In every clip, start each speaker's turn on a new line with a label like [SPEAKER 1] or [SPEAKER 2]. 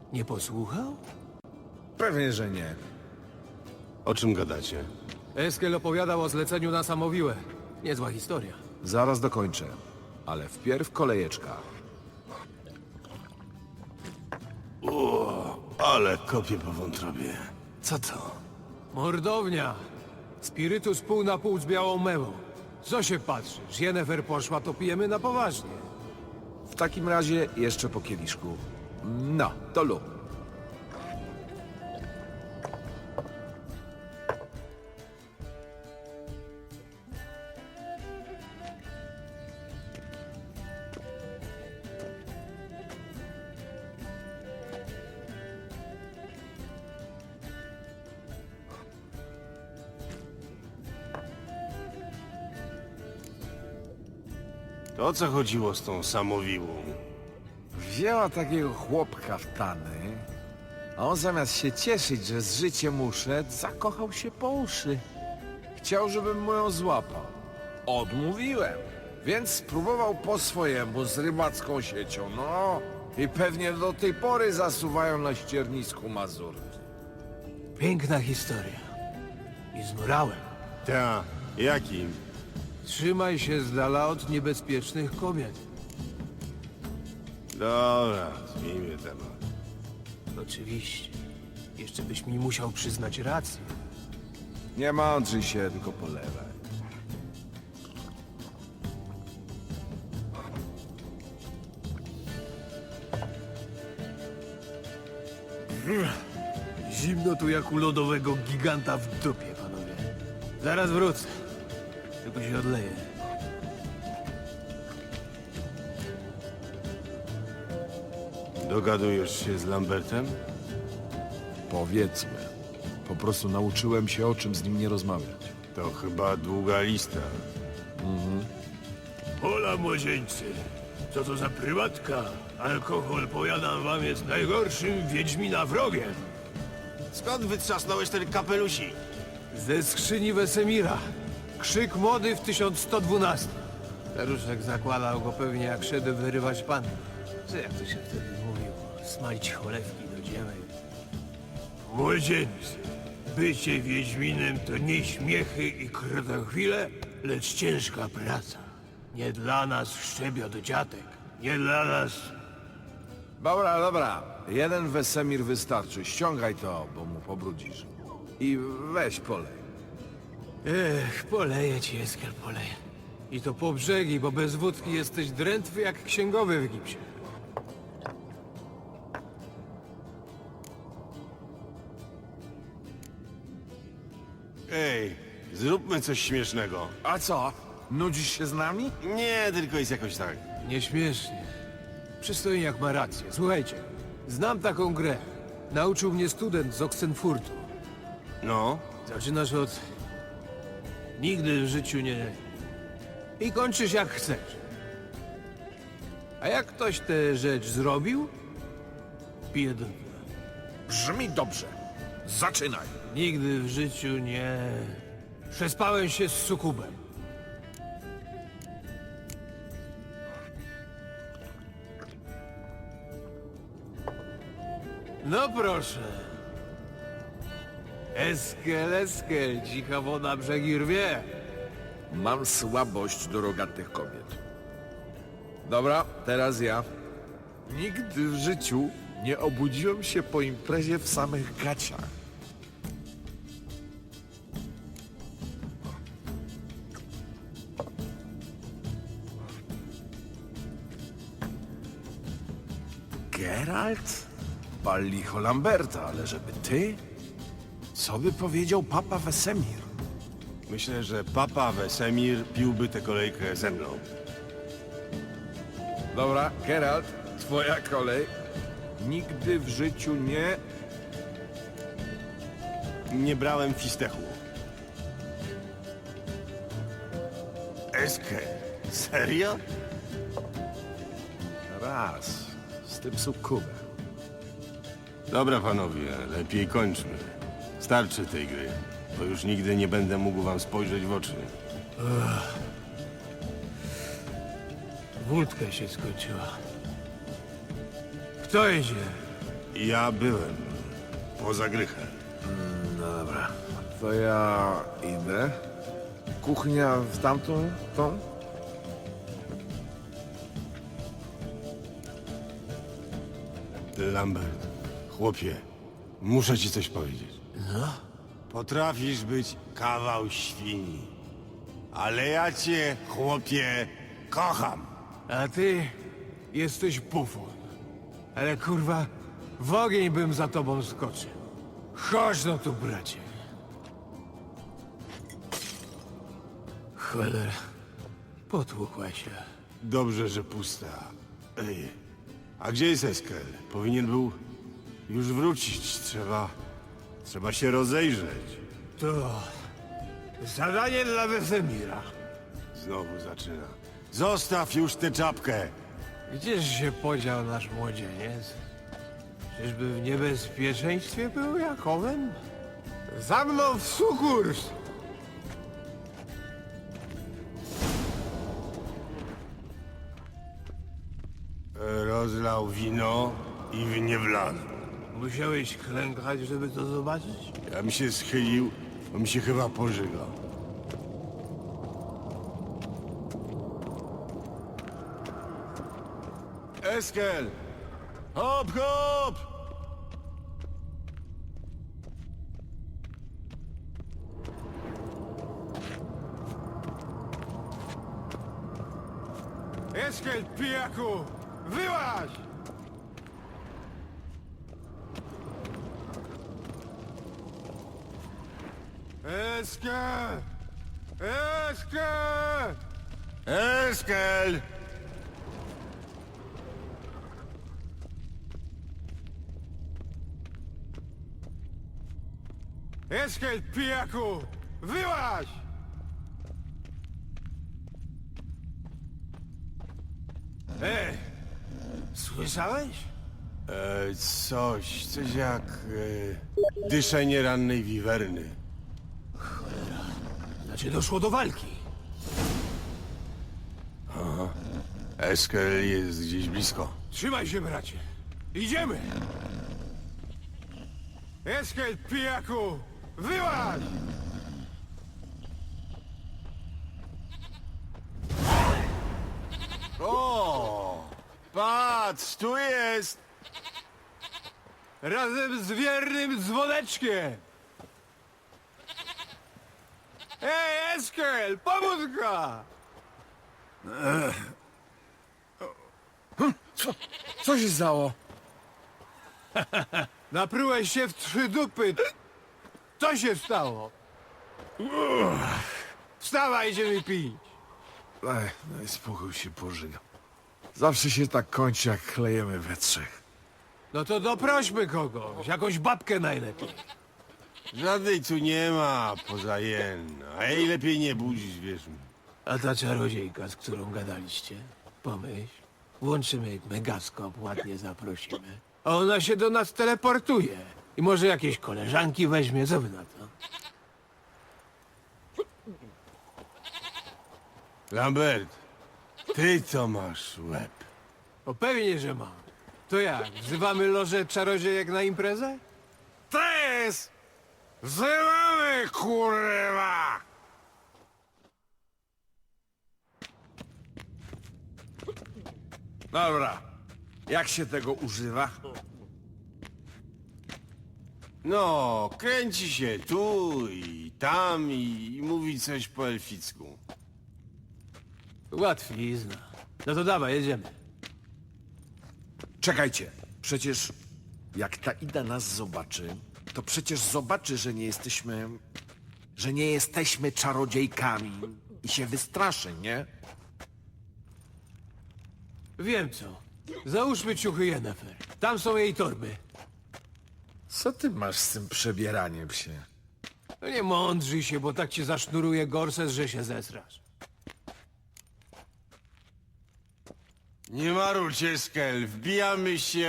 [SPEAKER 1] Nie posłuchał?
[SPEAKER 2] Pewnie, że nie.
[SPEAKER 3] O czym gadacie?
[SPEAKER 1] Eskel opowiadał o zleceniu na Samowiłę. Niezła historia.
[SPEAKER 2] Zaraz dokończę. Ale wpierw kolejeczka.
[SPEAKER 3] Ale kopię po wątrobie. Co to?
[SPEAKER 1] Mordownia! Spirytus pół na pół z białą mewą. Co się patrzysz? Jennefer poszła, to pijemy na poważnie.
[SPEAKER 2] W takim razie jeszcze po kieliszku. No, to lub.
[SPEAKER 3] To o co chodziło z tą samowiłą?
[SPEAKER 2] Wzięła takiego chłopka w tany, a on zamiast się cieszyć, że z życiem uszedł, zakochał się po uszy. Chciał, żebym mu ją złapał. Odmówiłem, więc spróbował po swojemu z rybacką siecią, no. I pewnie do tej pory zasuwają na ściernisku Mazurki.
[SPEAKER 1] Piękna historia. I z morałem.
[SPEAKER 3] Ta, jakim?
[SPEAKER 1] Trzymaj się z dala od niebezpiecznych kobiet.
[SPEAKER 3] Dobra, zmieńmy temat.
[SPEAKER 1] Oczywiście. Jeszcze byś mi musiał przyznać rację.
[SPEAKER 2] Nie mądrzyj się, tylko polewaj.
[SPEAKER 1] Zimno tu jak u lodowego giganta w dupie, panowie. Zaraz wrócę. Tylko się odleję.
[SPEAKER 3] Dogadujesz się z Lambertem?
[SPEAKER 2] Powiedzmy. Po prostu nauczyłem się, o czym z nim nie rozmawiać.
[SPEAKER 3] To chyba długa lista.
[SPEAKER 1] Hola, młodzieńcy. Co to za prywatka? Alkohol, powiadam wam, jest najgorszym wiedźmina wrogiem.
[SPEAKER 3] Skąd wytrzasnąłeś ten kapelusik?
[SPEAKER 1] Ze skrzyni Wesemira. Krzyk mody w 1112. Staruszek zakładał go pewnie jak szedł wyrywać pan. Co jak to się wtedy mówiło? Smalić cholewki do dzieły. Młodzieńcy, bycie wiedźminem to nie śmiechy i krotochwile, lecz ciężka praca. Nie dla nas szczebiot dziatek. Nie dla nas...
[SPEAKER 2] Dobra, dobra. Jeden Wesemir wystarczy. Ściągaj to, bo mu pobrudzisz. I weź polej.
[SPEAKER 1] Ech, poleję ci, Eskel, poleję. I to po brzegi, bo bez wódki jesteś drętwy jak księgowy w gipsie.
[SPEAKER 3] Ej, zróbmy coś śmiesznego.
[SPEAKER 2] A co? Nudzisz się z nami?
[SPEAKER 3] Nie, tylko jest jakoś tak.
[SPEAKER 1] Nieśmiesznie. Przystojniak ma rację. Słuchajcie, znam taką grę. Nauczył mnie student z Oxenfurtu.
[SPEAKER 3] No,
[SPEAKER 1] Zaczynasz od... Nigdy w życiu nie... I kończysz jak chcesz. A jak ktoś tę rzecz zrobił, pije do dna.
[SPEAKER 2] Brzmi dobrze. Zaczynaj.
[SPEAKER 1] Nigdy w życiu nie... Przespałem się z sukubem. No proszę. Eskel, Eskel, cicha woda brzegi rwie.
[SPEAKER 2] Mam słabość do rogatych kobiet. Dobra, teraz ja. Nigdy w życiu nie obudziłem się po imprezie w samych gaciach. Geralt? Pal licho Lamberta, ale żeby ty? Co by powiedział papa Wesemir?
[SPEAKER 3] myślę, że papa Wesemir piłby tę kolejkę ze mną.
[SPEAKER 2] Dobra, Geralt, twoja kolej. Nigdy w życiu nie...
[SPEAKER 3] Nie brałem fistechu. Eskel, serio?
[SPEAKER 2] Raz. Z tym sukubem.
[SPEAKER 3] Dobra, panowie, lepiej kończmy. Starczy tej gry, bo już nigdy nie będę mógł wam spojrzeć w oczy.
[SPEAKER 1] Wódka się skończyła. Kto idzie?
[SPEAKER 3] Ja byłem. Poza Grychem.
[SPEAKER 2] No dobra, to ja idę. Kuchnia w tamtą, tą?
[SPEAKER 3] Lambert, chłopie, muszę ci coś powiedzieć.
[SPEAKER 1] No?
[SPEAKER 3] Potrafisz być kawał świni. Ale ja cię, chłopie, kocham.
[SPEAKER 1] A ty jesteś bufon. Ale kurwa, w ogień bym za tobą skoczył. Chodź no tu, bracie. Cholera, potłukła się.
[SPEAKER 3] Dobrze, że pusta. Ej, a gdzie jest Eskel? Powinien był już wrócić. Trzeba się rozejrzeć.
[SPEAKER 1] To zadanie dla Wesemira.
[SPEAKER 3] Znowu zaczyna. Zostaw już tę czapkę.
[SPEAKER 1] Gdzież się podział nasz młodzieniec? Czyżby w niebezpieczeństwie był Jakowem? Za mną w sukurs!
[SPEAKER 3] Rozlał wino i w nie wlazł.
[SPEAKER 1] Musiałeś klękać, żeby to zobaczyć?
[SPEAKER 3] Ja mi się schylił, bo mi się chyba pożygał. Eskel! Hop, hop!
[SPEAKER 1] Eskel, pijaku! Wyłaź! Eskel! Eskel!
[SPEAKER 3] Eskel!
[SPEAKER 1] Eskel, pijaku! Wyłaź! Słyszałeś?
[SPEAKER 3] Coś jak dyszenie rannej wiwerny.
[SPEAKER 1] Znaczy doszło do walki.
[SPEAKER 3] Eskel jest gdzieś blisko.
[SPEAKER 1] Trzymaj się, bracie. Idziemy! Eskel, pijaku! Wyłaź!
[SPEAKER 3] O! Patrz, tu jest!
[SPEAKER 1] Razem z wiernym dzwoneczkiem! Ej, Eskel! Pomódka!
[SPEAKER 2] Co się stało?
[SPEAKER 1] Naprułeś się w 3 dupy. Co się stało? Wstawaj, idziemy pić.
[SPEAKER 2] Ej, no i spokój się pożygał. Zawsze się tak kończy, jak klejemy we trzech.
[SPEAKER 1] No to doprośmy kogoś, jakąś babkę najlepiej.
[SPEAKER 3] Żadnej tu nie ma, poza jen. A jej lepiej nie budzić, wierz mi.
[SPEAKER 1] A ta czarodziejka, z którą gadaliście? Pomyśl. Włączymy megaskop, ładnie zaprosimy. A ona się do nas teleportuje. I może jakieś koleżanki weźmie, co wy na to?
[SPEAKER 3] Lambert, ty to masz łeb.
[SPEAKER 1] O pewnie, że mam. To jak, wzywamy lożę czarodziejek na imprezę?
[SPEAKER 2] Tres! Wzywamy, kurwa! Dobra. Jak się tego używa?
[SPEAKER 3] No, kręci się tu i tam i mówi coś po elficku.
[SPEAKER 1] Łatwizna. No to dawaj, jedziemy.
[SPEAKER 2] Czekajcie. Przecież jak ta Ida nas zobaczy, to przecież zobaczy, że nie jesteśmy... że nie jesteśmy czarodziejkami i się wystraszy, nie?
[SPEAKER 1] Wiem co. Załóżmy ciuchy Yennefer. Tam są jej torby.
[SPEAKER 2] Co ty masz z tym przebieraniem się?
[SPEAKER 1] No nie mądrzyj się, bo tak cię zasznuruje gorset, że się zesrasz.
[SPEAKER 3] Nie marudź, Eskel, wbijamy się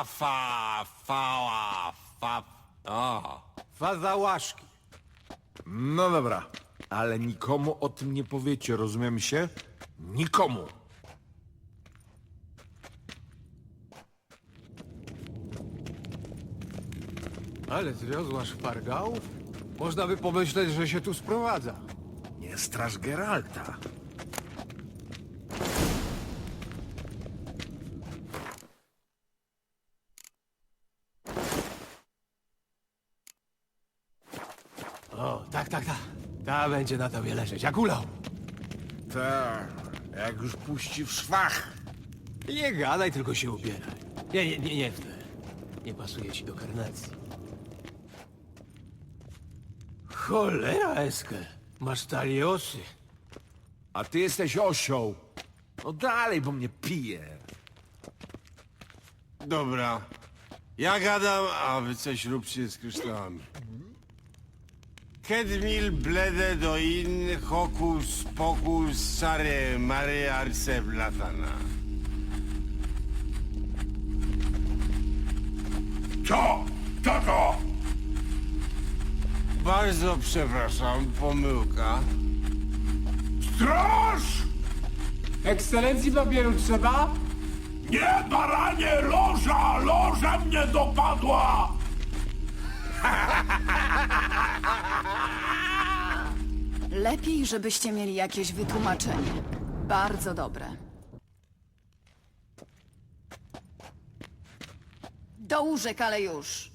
[SPEAKER 3] fała. O,
[SPEAKER 1] Faza łaszki.
[SPEAKER 2] No dobra, ale nikomu o tym nie powiecie, rozumiemy się? Nikomu!
[SPEAKER 1] Ale zwiozła szpargałów? Można by pomyśleć, że się tu sprowadza.
[SPEAKER 2] Nie straż Geralta.
[SPEAKER 1] O, tak. Ta będzie na tobie leżeć, jak ulał.
[SPEAKER 2] Tak, jak już puści w szwach.
[SPEAKER 1] Nie gadaj, tylko się ubieraj. Nie w te. Nie pasuje ci do karnacji. Cholera, Eskel. Masz taliosy.
[SPEAKER 2] A ty jesteś osioł. No dalej, bo mnie pije.
[SPEAKER 3] Dobra. Ja gadam, a wy coś róbcie z kryształami. Kedmil blede do in hokus pokus sare mare arce blatana.
[SPEAKER 4] Co? Kto to?
[SPEAKER 3] Bardzo przepraszam, pomyłka.
[SPEAKER 4] Straż!
[SPEAKER 5] Ekscelencji papieru trzeba?
[SPEAKER 4] Nie, baranie, loża! Loża mnie dopadła!
[SPEAKER 6] Lepiej, żebyście mieli jakieś wytłumaczenie. Bardzo dobre. Do łóżek, ale już.